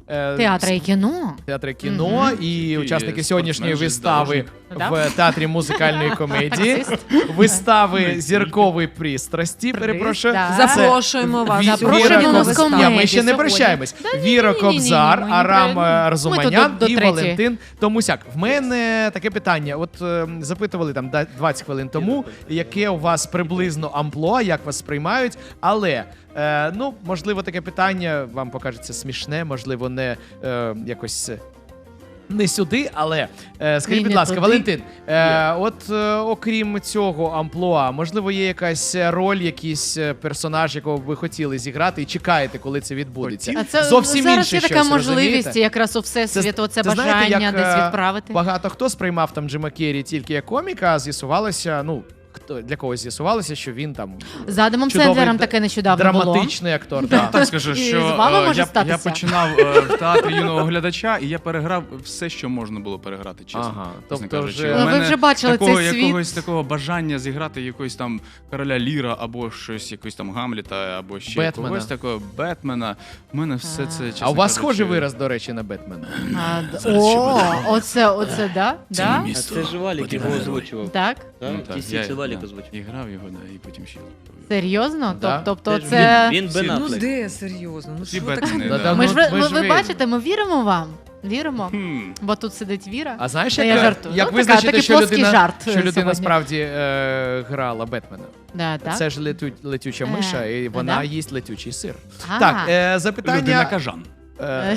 S2: е,
S3: Театра і кіно.
S2: театри кіно
S3: Мгм.
S2: і
S6: І
S2: учасники сьогоднішньої
S6: спортсмен,
S2: вистави
S3: Да?
S2: в театрі музикальної комедії, вистави зіркової пристрасті. Перепрошую.
S3: Да.
S2: Це
S4: Запрошуємо вас.
S2: Ві-
S3: Запрошуємо
S2: Віра
S3: нас
S2: Коб-
S3: в комедію
S2: Ні, ми ще не
S3: сьогодні.
S2: прощаємось.
S3: Да, ні,
S2: Віра
S3: ні, ні, ні, ні,
S2: Кобзар,
S3: ми не
S2: Арам
S3: про-
S2: е,
S3: ми
S2: Арзуманян
S3: тут до- до
S2: і
S3: третьої.
S2: Валентин Томусяк. В мене таке питання. От е, запитували там да- двадцять хвилин тому, яке у вас приблизно амплуа, як вас сприймають, але е, ну, можливо, таке питання вам покажеться смішне, можливо, не е, якось. е, Не сюди, але е, скажіть,
S3: Ні,
S2: будь
S3: не
S2: ласка,
S3: туди.
S2: Валентин, е, от е, окрім цього амплуа, можливо, є якась роль, якийсь е, персонаж, якого б ви хотіли зіграти, і чекаєте, коли це відбудеться?
S3: А це
S2: Зовсім
S3: зараз
S2: інше
S3: є така
S2: щось,
S3: можливість
S2: розумієте?
S3: якраз у всесвіт,
S2: Це-
S3: оце
S2: це знаєте,
S3: бажання
S2: як,
S3: десь
S2: е,
S3: відправити.
S2: Багато хто сприймав там Джима Керрі тільки як коміка, а з'ясувалося, ну, хто для когось з'ясувалося, що він там
S3: З Адамом
S2: чудовий
S3: Сендлером
S2: д-
S3: таке нещодавно було.
S2: драматичний актор. Да.
S6: Так скажу,
S3: І
S6: що
S3: з вами
S6: е,
S3: може
S6: я,
S3: статися.
S6: я починав е, в театрі юного глядача, і я переграв все, що можна було переграти, чесно.
S2: Ага,
S6: чесно
S2: тобто
S6: кажучи.
S2: вже-
S6: У
S3: Ну, ви
S6: мене
S3: вже бачили
S6: такого,
S3: цей світ.
S6: якогось такого бажання зіграти якогось там короля Ліра або щось, якось там Гамліта, або ще
S2: Бетмена.
S6: когось такого Бетмена. У мене все це, чесно
S2: А у вас
S6: кажучи,
S2: схожий вираз, до речі, на Бетмена.
S3: А, д- О, оце, оце, да? Да?
S5: А це ж Валік його озвучував.
S3: Так?
S5: Так?
S6: Ну,
S5: Ті
S6: так,
S5: всі
S6: я-
S5: це Валік
S6: да,
S5: озвучував.
S6: і грав його, да, і потім ще.
S3: Серйозно?
S2: Да.
S3: Тоб- Тобто
S5: Це ж
S3: це...
S5: Він, він Бен
S4: Ну
S5: Аффлек.
S4: де серйозно? Ну
S6: Всі
S4: що таке?
S6: Бетмени,
S2: Да,
S6: да.
S2: да,
S3: Ми ж,
S2: ну,
S3: ви,
S2: ми
S3: ви,
S2: ж
S3: ви
S2: ви-
S3: бачите, ми віримо вам. Віримо.
S6: Хм.
S3: Бо тут сидить Віра.
S2: А знаєш,
S3: Та
S2: як,
S3: я жартую.
S2: як
S3: Ну, така-
S2: визначити,
S3: такий
S2: що
S3: плоский
S2: людина,
S3: жарт,
S2: що
S3: е,
S2: людина
S3: сьогодні.
S2: справді е, грала Бетмена?
S3: Да, так?
S2: Це ж летю, летюча
S3: Е,
S2: миша, і вона
S3: да?
S2: їсть летючий сир.
S3: А.
S2: Так, е,
S6: Людина
S2: запитання.
S6: кажан.
S2: Е,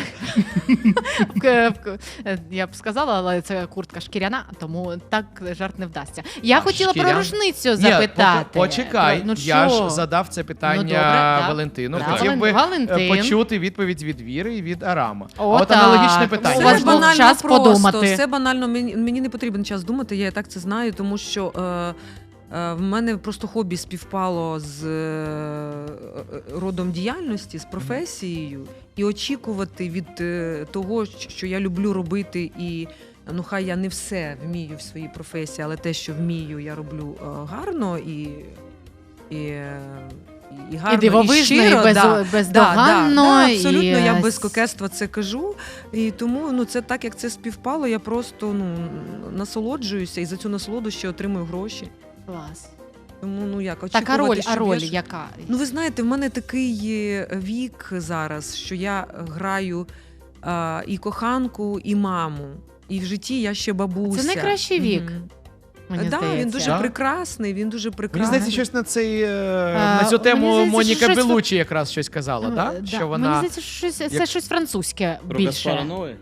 S3: К- в- е, Я б сказала, але це куртка шкіряна, тому так жарт не вдасться. Я
S2: А,
S3: хотіла
S2: шкіряна?
S3: про рушницю
S2: Ні,
S3: запитати.
S2: поки- почекай,
S3: Ну,
S2: я
S3: що?
S2: ж задав це питання
S3: Ну, добре, да.
S2: Валентину.
S3: Да,
S2: Хотів
S3: Вален-
S2: би е,
S3: Валентин.
S2: почути відповідь від Віри і від Арама.
S3: О,
S2: а от
S3: так.
S2: аналогічне
S3: У
S2: питання.
S3: вас
S4: Все
S3: був
S4: банально
S3: час
S4: просто,
S3: подумати.
S4: все банально. Мені, мені не потрібен час думати, я і так це знаю, тому що е, е, в мене просто хобі співпало з е, родом діяльності, з професією, і очікувати від е, того, що я люблю робити, і ну хай я не все вмію в своїй професії, але те, що вмію, я роблю е, гарно і. і е, І гарно,
S3: І дивовижно, і,
S4: щиро,
S3: без,
S4: да.
S3: бездоганно.
S4: Да, да, да, абсолютно,
S3: і...
S4: я без кокетства це кажу. І тому ну, це так, як це співпало, я просто ну, насолоджуюся і за цю насолоду ще отримую гроші.
S3: Клас.
S4: Тому ну як
S3: Так, а
S4: очікувати,
S3: роль, а
S4: щоб
S3: роль
S4: я ж-
S3: яка?
S4: Ну, ви знаєте, в мене такий є вік зараз, що я граю а, і коханку, і маму. І в житті я ще бабуся.
S3: Це найкращий вік,
S4: Мгм.
S3: мені
S4: да,
S3: здається.
S4: він дуже
S2: Да?
S4: прекрасний, він дуже
S2: Мені
S4: прекрасний.
S2: здається, щось на цей е,
S3: А,
S2: на цю тему
S3: мені здається,
S2: Моніка
S3: щось-
S2: Белучі якраз щось казала,
S3: Ну,
S2: да?
S3: да.
S2: Що
S3: Мені
S2: вона
S3: здається, що щось, це
S2: як-
S3: щось французьке
S5: Про
S3: більше.
S5: Каспара Ноe?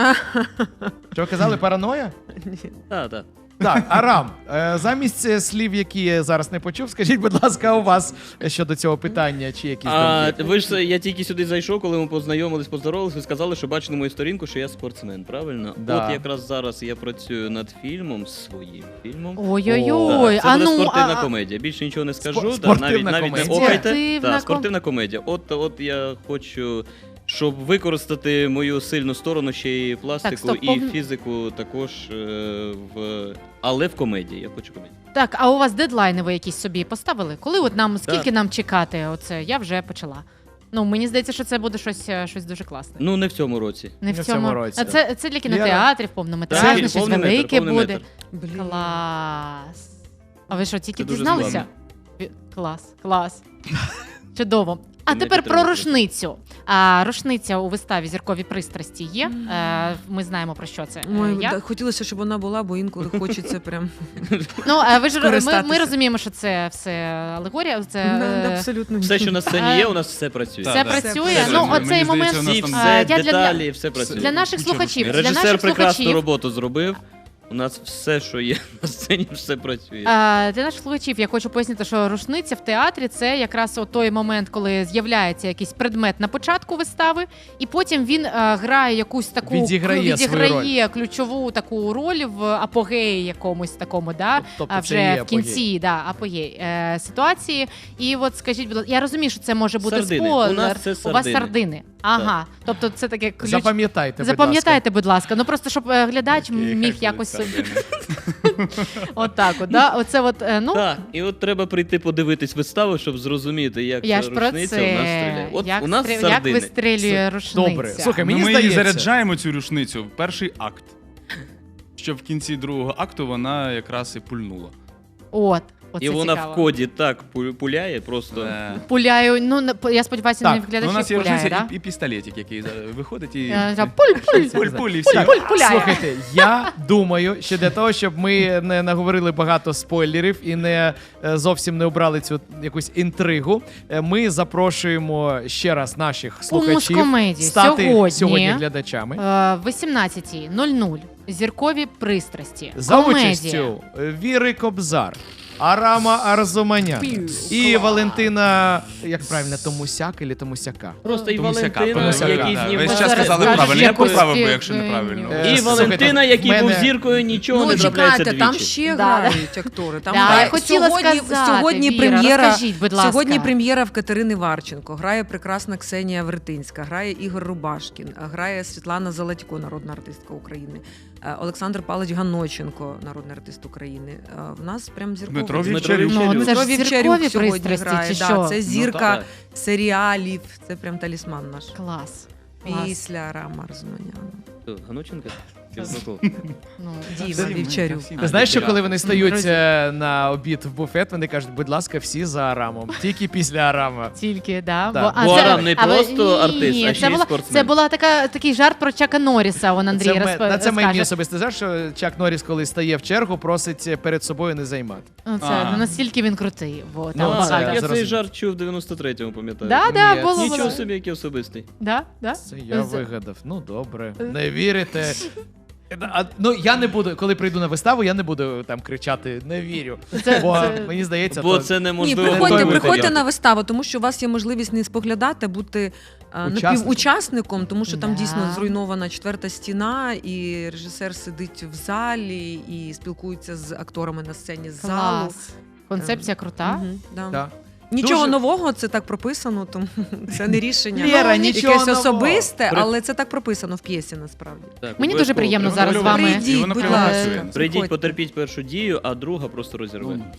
S2: що ви казали, параноя?
S5: Так, так.
S2: Так, Арам, е, замість е, слів, які я зараз не почув, скажіть, будь ласка, у вас щодо цього питання, чи якісь
S5: А
S2: думки?
S5: ви ж я тільки сюди зайшов, коли ми познайомились, поздоровались, ви сказали, що бачили мою сторінку, що я спортсмен, правильно?
S2: Да.
S5: От якраз зараз я працюю над фільмом, своїм фільмом.
S3: Ой-ой-ой,
S5: Так, це
S3: а
S5: буде
S3: ну,
S5: спортивна
S3: а-
S5: комедія. Більше нічого не скажу.
S2: Спо-
S5: да, навіть
S2: спортивна
S5: навіть не
S2: комедія.
S5: окайте.
S3: Спортивна
S5: Так, спортивна комедія. От, от я хочу, щоб використати мою сильну сторону ще і пластику,
S3: стоп,
S5: і
S3: повн-
S5: фізику також е, в. Але в комедії. Я хочу комедію.
S3: Так, а у вас дедлайни ви якісь собі поставили? Коли от нам, скільки нам чекати? Оце я вже почала. Ну, мені здається, що це буде щось, е, щось дуже класне.
S5: Ну, не в цьому році.
S3: Не в
S2: Не в
S3: цьому,
S2: цьому році.
S3: А це, це для кінотеатрів, повнометражне,
S5: Так,
S3: щось
S5: повний метр,
S3: велике
S5: повний
S3: буде.
S5: метр.
S4: Блін.
S3: Клас. А ви що, тільки
S5: Це дуже
S3: дізналися?
S5: складно.
S3: Ві- Клас, клас. Чудово. А
S5: Це
S3: тепер
S5: не
S3: про
S5: підтримує.
S3: рушницю. А, рушниця у виставі «Зіркові пристрасті» є. Е, ми знаємо, про що це. Е,
S4: Ой,
S3: я.
S4: да, хотілося, щоб вона була, бо інколи хочеться прям
S3: Ну, е, ви ж, ми, ми
S4: Скористатися.
S3: розуміємо, що це все алегорія, це
S4: Да,
S3: е,
S4: абсолютно
S5: Все, що на
S3: А,
S5: сцені є, у нас все працює.
S3: все
S6: Так, так.
S3: працює.
S4: Все
S3: Ну,
S4: працює.
S3: оцей
S6: Мені
S3: момент
S6: здається, у нас
S5: Всі,
S6: там-
S5: все,
S3: А, я для-
S5: деталі, все працює.
S3: для наших
S6: Нічого
S3: слухачів.
S6: не
S3: Для
S5: Режисер
S3: наших
S5: прекрасну
S3: слухачів.
S5: роботу зробив. У нас все, що є на сцені, все працює.
S3: Е, Для наших слухачів я хочу пояснити, що рушниця в театрі це якраз от той момент, коли з'являється якийсь предмет на початку вистави, і потім він е, грає якусь таку
S2: Відіграє свою
S3: відіграє ключову таку роль в апогеї якомусь такому, да,
S2: Тобто
S3: а
S2: це
S3: вже
S2: є
S3: в кінці да, апогей е, ситуації. І от скажіть, будь ласка, я розумію, що це може бути
S5: Сардини.
S3: спойлер.
S5: У нас це
S3: У вас
S5: сардини.
S3: сардини. Ага, тобто це таке ключ.
S2: Запам'ятайте, будь
S3: Запам'ятайте, будь ласка. Ну просто щоб е, глядач міг якось собі. Отак, от, да? Оце от, е, ну,
S5: Так, і от треба прийти подивитись виставу, щоб зрозуміти, як
S3: я
S5: ця
S3: ж про
S5: рушниця
S3: це.
S5: у нас стріляє. От
S3: як,
S5: у нас
S3: стрі- як
S5: сардини.
S3: вистрілює рушниця.
S2: Добре. Слухай,
S6: Ну,
S2: мені
S6: ми її
S2: здається-
S6: заряджаємо цю рушницю в перший акт. Щоб в кінці другого акту вона якраз і пульнула.
S3: От, оце
S5: І вона
S3: цікаво.
S5: в коді так пу- пуляє, просто.
S6: Е,
S3: Пуляю, ну, не- я сподіваюся,
S2: Так,
S3: не
S6: ну,
S3: глядачі
S6: у нас є
S3: пуляє,
S6: рушниця
S3: да?
S6: і, і пістолетик, який зараз виходить і.
S3: Е, та Пуль, пуль,
S6: Пуль, пуль, і всі.
S3: пуль, пуляє.
S2: Слухайте, я думаю, що для того, щоб ми не наговорили багато спойлерів і не е, зовсім не обрали цю якусь інтригу, е, ми запрошуємо ще раз наших слухачів
S3: Мускомеді
S2: стати
S3: сьогодні,
S2: сьогодні глядачами.
S3: Е, вісімнадцята нуль нуль. Зіркові пристрасті.
S2: За
S3: Комедія.
S2: участю Віри Кобзар, Арама Арзуманян
S3: Пів.
S2: і
S3: Клас.
S2: Валентина, як правильно, Томусяк чи Томусяка?
S5: Просто і
S6: Томусяка,
S5: Валентина,
S2: Томусяка,
S5: який
S2: да.
S5: знімав.
S6: Весь час
S3: Зараз
S6: сказали
S3: скажеш,
S6: правильно. Я
S3: якось
S6: поправив би,
S3: ти-
S6: якщо неправильно.
S2: Е,
S5: І
S2: слухайте,
S5: Валентина,
S2: в
S5: який
S2: мене-
S5: був зіркою, нічого
S4: Ну,
S5: не трапляється
S4: чекайте,
S5: двічі.
S4: там ще
S3: Да,
S4: грають актори. Там
S3: Да,
S4: грає-
S3: я хотіла
S4: сьогодні,
S3: сказати,
S4: сьогодні
S3: Віра,
S4: прем'єра,
S3: розкажіть, будь ласка.
S4: сьогодні прем'єра в Катерини Варченко. Грає прекрасна Ксенія Вертинська, грає Ігор Рубашкін, грає Світлана Залатько, народна артистка України, е, Олександр Павлович Ганоченко, народний артист України. Е, В нас прям зірковий.
S6: Дмитро
S5: Дмитро
S6: Вівчарюк.
S3: Ну,
S5: Вівчарюк.
S3: це ж
S4: Дмитро
S3: зіркові
S4: Вівчарюк сьогодні
S3: пристрасті,
S4: грає.
S3: чи
S4: Да,
S3: що?
S4: це
S5: Ну,
S4: зірка
S5: так.
S4: серіалів, це прям талісман наш.
S3: Клас.
S4: Після Рама Арзуманяна.
S5: Хто, Ганученко? Кізнаков.
S3: Ну,
S4: Діма
S6: Всі ми,
S4: Вівчарюк.
S6: всі ми.
S2: Ти знаєш, що
S5: так.
S2: коли вони стають
S3: Друзі.
S2: е, на обід в буфет, вони кажуть, будь ласка, всі за Арамом. Тільки після Арама.
S3: Тільки, да.
S2: Да.
S5: Бо
S3: це-
S5: Арам не
S3: а ви-
S5: просто артист,
S3: ні,
S5: а
S3: це
S5: ще й
S3: була,
S5: спортсмен.
S3: Це була така, такий жарт про Чака Норріса, он Андрій
S2: Це, ме-
S3: розп...
S2: на це мені
S3: розкаже.
S2: особисто знаєш, що Чак Норріс, коли стає в чергу, просить перед собою не займати.
S3: Ну, Це
S6: А.
S3: ну, настільки він крутий. Вот,
S2: Ну,
S3: там
S5: А,
S2: це
S3: багато.
S5: так, я цей
S2: зрозумів.
S5: жарт чув в дев'яносто третьому, пам'ятаю.
S3: Да, да,
S2: Ні,
S3: було,
S5: Нічого
S3: було.
S5: собі, який особистий.
S3: Да, да.
S2: Це я
S3: З-
S2: вигадав. Ну добре. Не вірите. А, ну я не буду, коли прийду на виставу, я не буду там кричати не вірю.
S3: Це-
S2: Бо
S3: це-
S2: мені здається,
S5: Бо
S2: то...
S5: це
S4: Ні,
S5: неможливо.
S4: приходьте,
S2: той
S4: приходьте
S5: матеріал.
S4: на виставу, тому що у вас є можливість не споглядати, а бути а,
S2: Учасником.
S4: напівучасником, тому що там
S3: Да.
S4: дійсно зруйнована четверта стіна, і режисер сидить в залі і спілкується з акторами на сцені з залу.
S3: Клас. Концепція крута.
S4: Мгм, да.
S2: Да.
S4: Нічого
S2: Дуже-
S4: нового, це так прописано, тому це не рішення
S2: Лєра,
S4: ну,
S2: нічого
S4: якесь
S2: нового.
S4: особисте,
S5: При-
S4: але це так прописано в п'єсі насправді.
S5: Так,
S3: Мені
S5: обов'язково
S3: дуже приємно
S5: приходьте.
S3: зараз з вами.
S4: Прийдіть,
S6: І воно
S4: будь
S6: прямо
S4: ласка.
S6: працює.
S5: Прийдіть,
S4: Приходьте.
S5: потерпіть першу дію, а друга просто розірве.
S6: Ну,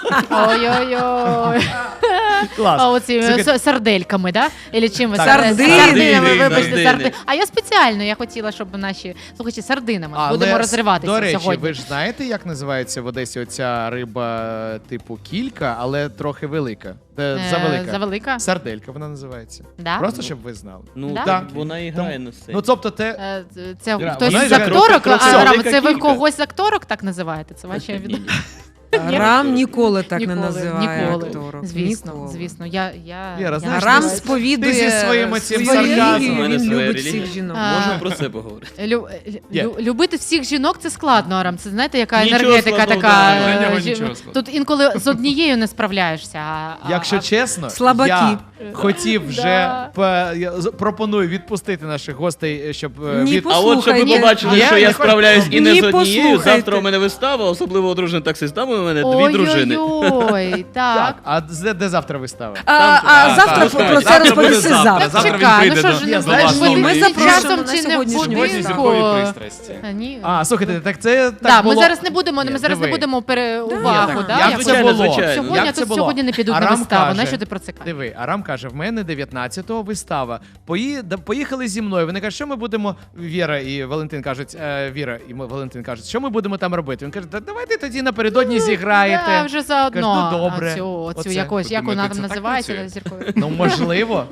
S3: Ой-ой-ой.
S2: Клас.
S3: А оці
S2: Слухайте,
S3: с- сардельками, да? Или чим ви?
S2: Так.
S3: Сар-
S4: Сардини.
S3: Сардинами, вибачте,
S5: Сардини.
S3: сарди. А я спеціально, я хотіла, щоб наші слухачі сардинами. Будемо розриватися
S2: до речі,
S3: сьогодні.
S2: ви ж знаєте, як називається в Одесі оця риба типу кілька, але трохи велика. Е,
S3: Е,
S2: Завелика.
S3: Завелика?
S2: Сарделька вона називається.
S3: Да?
S2: Просто щоб ви знали.
S5: Ну,
S3: Да?
S5: так, вона і грає
S2: Тому-
S5: на сцені.
S2: Ну тобто, те.
S3: Е, Це
S2: Ра-
S3: хтось
S2: вона
S3: з
S2: ж
S3: акторок,
S5: трохи- трохи
S3: а, Рам,
S5: велика
S3: це ви
S5: кілька.
S3: когось з акторок так називаєте? Це ваші від... Ні.
S4: Рам ніколи так
S3: Ніколи,
S4: не називає
S3: ніколи.
S4: акторок.
S3: Звісно,
S4: Ніколи.
S3: звісно. Я, я,
S2: Віра,
S3: я
S2: знаєш,
S4: Рам
S2: ти-
S4: сповідує
S2: ти зі своїм оцим
S4: свою
S2: сарказмом.
S4: релігію,
S5: У мене
S4: він
S5: своя
S4: любить
S5: релігія.
S4: всіх жінок.
S3: А,
S5: Можемо про це поговорити.
S3: Лю,
S2: Є.
S3: лю, любити всіх жінок це складно, Арам. Це знаєте, яка
S5: Нічого
S3: енергетика
S5: складного
S3: така.
S5: немає.
S3: е,
S6: Для нього
S3: жі-
S6: нічого складного.
S3: Тут інколи з однією не справляєшся. А, а-
S2: Якщо
S3: а-
S2: чесно,
S4: Слабаки.
S2: я хотів вже
S3: Да.
S2: по- я з- пропоную відпустити наших гостей, щоб е,
S4: Ні,
S2: від...
S4: по-
S5: А от щоб ви
S4: Послухай, ні.
S5: побачили,
S2: Я
S5: що
S2: не
S5: я
S2: хочу-
S5: справляюсь і не
S4: Ні,
S5: з однією.
S4: послухайте.
S5: Завтра у мене вистава, особливо одружений таксист. Там у мене дві дружини.
S3: Ой-ой-ой,
S2: Так,
S3: так.
S2: а де, де завтра вистава?
S4: А,
S5: Там-
S4: а
S5: так,
S4: завтра
S5: так,
S4: про
S5: так.
S4: це
S6: Завтра буде
S4: розповісти
S6: завтра.
S4: завтра.
S6: Завтра він
S3: Чекай,
S6: прийде
S3: ну що
S6: до-
S3: ж,
S2: Я
S3: не
S2: знаю,
S3: будеш
S2: що
S3: ви
S4: ми
S3: дивитися
S4: запрошуємо
S3: часом
S4: на
S3: чи не
S4: сьогоднішню
S3: будинку?
S6: зіркові пристрасті.
S3: А, ні.
S2: А, слухайте, так це так
S3: Да, ми
S2: було...
S3: зараз не будемо,
S2: Ні,
S3: ми зараз не
S2: диви.
S3: будемо пере
S2: Ні,
S3: увагу.
S2: так,
S3: да,
S2: як
S3: як
S2: це
S5: Звичайно,
S2: було?
S5: звичайно.
S3: Сьогодні,
S2: Як
S3: а
S2: це
S3: тут
S2: було?
S3: сьогодні не підуть на
S2: Арам
S3: виставу.
S2: каже-
S3: На що ти про це кажеш?
S2: Диви, Арам каже, в мене дев'ятнадцятого вистава. Пої... да, Поїхали зі мною. Вони кажуть, що ми будемо. Віра і Валентин кажуть, е, Віра і ми- Валентин кажуть, що ми будемо там робити. Він каже, да, давайте тоді напередодні зіграєте.
S3: Да, вже заодно.
S2: Кажу, ну, добре.
S3: А цю, цю
S2: Оце.
S3: якось, як вона
S6: Подумайте,
S3: там
S6: це так
S3: називається
S6: працює?
S3: зірковою?
S2: Ну, можливо.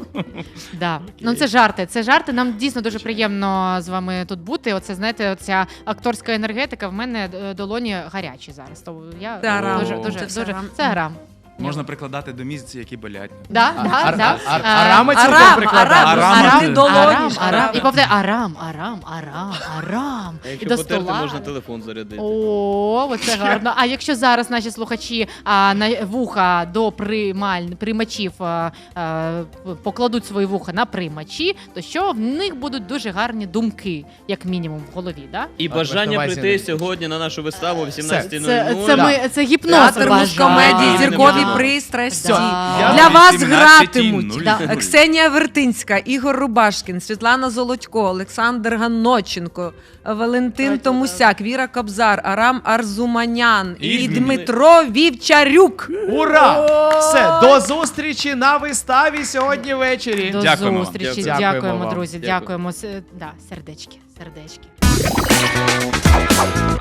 S3: Да. Ну це жарти. Це жарти. Нам дійсно дуже приємно з вами тут бути. Оце знаєте, оця акторська енергетика. В мене е, долоні гарячі зараз. То я
S4: Це Арам.
S3: дуже, дуже,
S4: Це все
S3: дуже
S4: Арам.
S3: це Арам.
S6: Можна прикладати до місць, які болять.
S3: Да,
S2: А-
S3: да,
S2: Ар-
S3: да.
S2: Ар- Ар-
S3: А,
S2: Арама цілком
S4: Арам,
S2: прикладає.
S4: Арам,
S6: Арам,
S4: Арам,
S6: ти-
S4: долоні.
S3: Арам,
S4: ж,
S3: Арам.
S4: Арам.
S3: І повторяй Арам, Арам, Арам, Арам. І
S5: Якщо
S3: до
S5: потерти,
S3: стола.
S5: можна телефон зарядити.
S3: О, оце гарно. А якщо зараз наші слухачі а, на вуха до приймаль, приймачів а, а, покладуть свої вуха на приймачі, то що в них будуть дуже гарні думки, як мінімум, в голові, да?
S5: І
S2: А,
S5: бажання
S2: Вартовазі
S5: прийти
S2: не-
S5: сьогодні на нашу виставу о
S3: Це,
S5: вісімнадцятій нуль
S3: це,
S5: нуль.
S3: це, ми, це гіпноз
S4: Театр
S3: ваш.
S4: мускомедії,
S5: Да.
S4: зіркові
S2: Ага.
S4: пристрасті.
S3: Да.
S2: Я
S4: Для вас
S6: вісімнадцять нуль
S4: гратимуть
S3: Да.
S6: нуль.
S4: Ксенія Вертинська, Ігор Рубашкін, Світлана Золотько, Олександр Ганноченко, Валентин
S3: Давайте,
S4: Томусяк, Віра Кобзар, Арам Арзуманян і,
S6: І
S4: Дмитро Вівчарюк.
S2: Ура! Все, до зустрічі на виставі сьогодні ввечері.
S3: До
S6: Дякуємо.
S3: зустрічі.
S2: Дякуємо
S3: Дякуємо,
S2: вам.
S3: друзі.
S5: Дякую.
S3: Дякуємо. С- Да, сердечки, сердечки.